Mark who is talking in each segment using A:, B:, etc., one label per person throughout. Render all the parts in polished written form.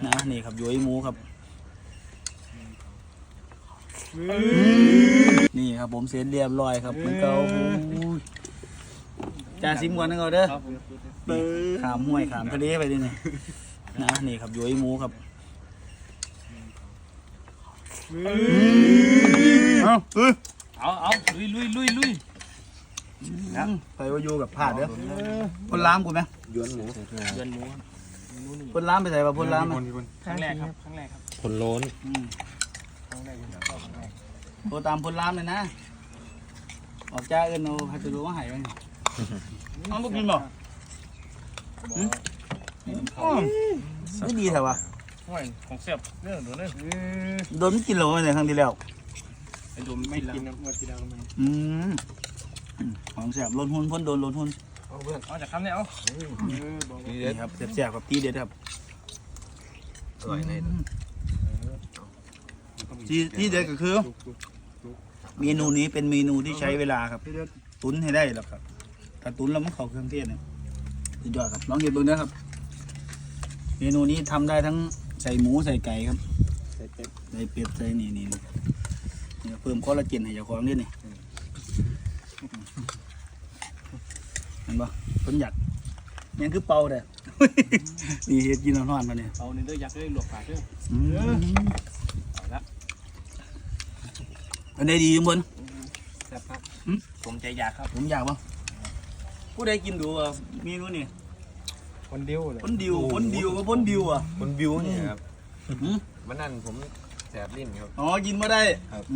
A: นะนี่ครับย้อยหมูครับนี่ครับผมเสร็จเรียบร้อยครับมันเกาจ่าซิมก่อนนะเขาเด้อขามห้วยขามทะเลไปดิเนี่ยนะนี่ครับย้อยหมูครับ
B: เอาลุย
A: นะไปว่าอยู่กับผาดเด้อคนล้ามกูไหม
C: ยวนหมู
A: คนล้ามไปใส่ป่ะคนล้ามอ่ะ
B: ครั้งแรกครับ
C: คนโล้น
A: โทรตามคนล้ามเลยนะออกจ้าเอินโนพัชรุมาหายไปน้องบุกินบ่ไม่ดีแถววะ
B: ห่วยของเสียบเรื่องโดนเลย
A: โดนกินหรอในครั้งที่แล้ว
B: ไอ้โดนไม่กินนะเมื่อที่แล้วมัน
A: ของแสบลนหุ้นพ้นโดนลนหุ้น
B: เอาจากคำเนี่ยเอา
A: นี่ครับแสบครับตีเด็ดครับ
C: อร่อยเลย
A: ที่เด็ดก็คือเมนูนี้เป็นเมนูที่ใช้เวลาครับตุ๋นให้ได้หรอกครับถ้าตุ๋นแล้วมันเข้าเครื่องเทศเนี่ยสุดยอดครับลองเห็นดูนะครับเมนูนี้ทำได้ทั้งใส่หมูใส่ไก่ครับใส่เป็ดใส่นี่เพิ่มคอลลาเจนให้เจ้าของด้วยนี่เห็นปะคนอยากยังคือเป่าเด้อ นี่เฮ็ดกินนอนๆมาเนี่ย
B: เอาเนี่ยเด้อยักษ์เด้อหลวกปากเด้อเอาละ
A: อันใดดีจังบน
B: แซ่บครับผมใจอยากครับ
A: ผมอยากปะผู้ใดกินดูเมนูนี่
B: คนเดียวเลย
A: พ้นดิวก็พ้นดิวอ่ะ
C: คนบิวเนี่ยครับมันนั่นผมแสบลิ้นครับ
A: อ๋อกินมาได้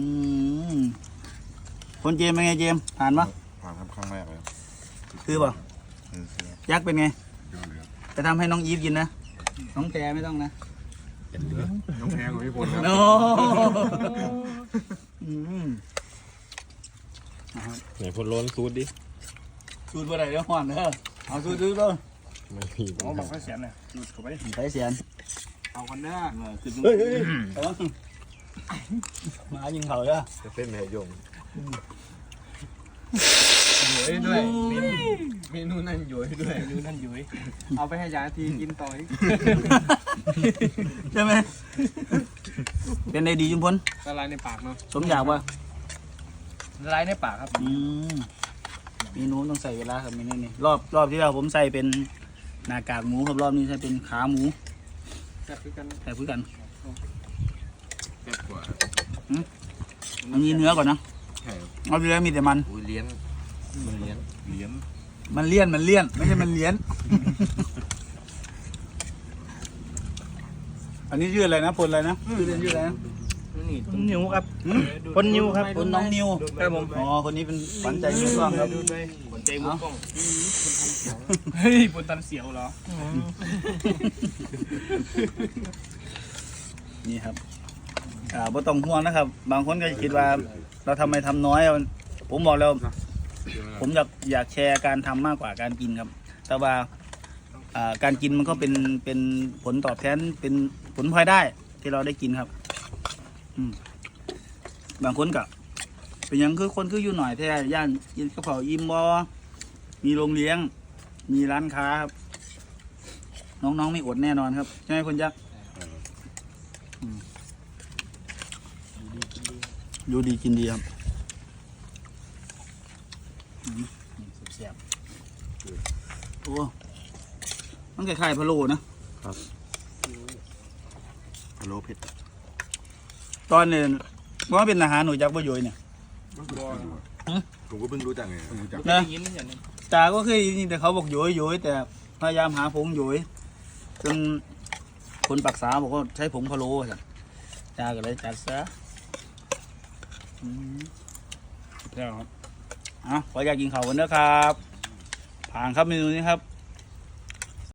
A: คนเจมเป็นไงเจมผ่านปะ
D: ผ่านครับครั้งแรกเลย
A: คือปะ
D: คือ
A: ยักษ์เป็นไง
D: เดือดเลย
A: จะทำให้น้องอีฟกินนะน้องแพรไม่ต้องนะ
D: น้องแพงกว่าพี่พลครับ
A: โน้
C: ไหนคนโล้นซูดดิ
A: สูตรอะไรเดี๋ยวห่อนเด้อเอาสูตรต้น
C: ไม่มี
B: เอาบังไฟเสียนเลยดูดเข้าไป
A: ใส่เสียน
B: เอากันเด้อ
A: คือมายิงเขาเด้อ
C: จะเส้นแม่ยง
B: อยู่ด้วยเมนูนั่นอยู่ด้วยเมนูนั่นอยู่เอาไปให้ยาทีกินต่ออีก
A: ใช่ไหมเป็นไงดีจุมพล
B: ละลายในปากเนาะ
A: สมอยากปะ
B: ละลายในปากครับ
A: เมนูต้องใส่เวลาครับเมนูนี้รอบที่แล้วผมใส่เป็นหน้ากากหมูครับรอบนี้ใส่เป็นขาหมู
B: แซ่บคือกัน
A: ใส่พื้นกัน
C: แซ่บกว่า
A: อันนี้เนื้อก่อนนะ
C: ใช่ครับ
A: เอาที่แล้วมีแต่มัน
C: อุ้ยเลี้ยนมันเลี้ยน
A: มันเลี่ยนไม่ใช่มันเลี้ยน อันนี้ชื่ออะไรนะพลอะไรนะชื่อเล่นชื่ออะไรนะ
B: นี่ต้นนิ้วครับคนนิ้วครับ
A: คนน้องนิว
B: ครับผม
A: อ๋อคนนี้เป็นขวัญใจมือกล้องครับ
B: ดูด้วยขนใจมือกล้องเฮ้ยบนตันเสียวเหรอ
A: นี่ครับบ่ต้องห่วงนะครับ บางคนก็จะคิดว่าเราทำไมทำน้อยผมบอกแล้วผมอยากแชร์การทำมากกว่าการกินครับ แต่ว่าการกินมันก็เป็นผลตอบแทนเป็นผลพลอยได้ที่เราได้กินครับบางคนก็เป็นอย่างคือคนคืออยู่หน่อยแท้ย่านกินกระเพราอิ่มบ่มีโรงเลี้ยงมีร้านค้าครับน้องๆไม่อดแน่นอนครับใช่ไหมคุณยักษ์อยู่ดีกินดีครับเสียบๆโอ้มันคล้ายๆพะโล้นะ
D: พะโล้เผ็ด
A: ตอนเนี่ยว่าเป็นอาหารหนูจักบ่โยยเนี่ย
D: ผมก็เพิ่งรู้จักไงเพิ่งรู้จัก
A: นะ
B: ยิ้มอย่างนี้
A: ตาก็เคยได้ยินแต่เขาบอกโยยแต่พยายามหาผงโยยจนคนปักษาบอกว่าใช้ผงพะโล้จ้ะตาก็เลยจัดซะแล้วครับขออยากกินข้าวกันนะครับผ่านครับเมนูนี้ครับ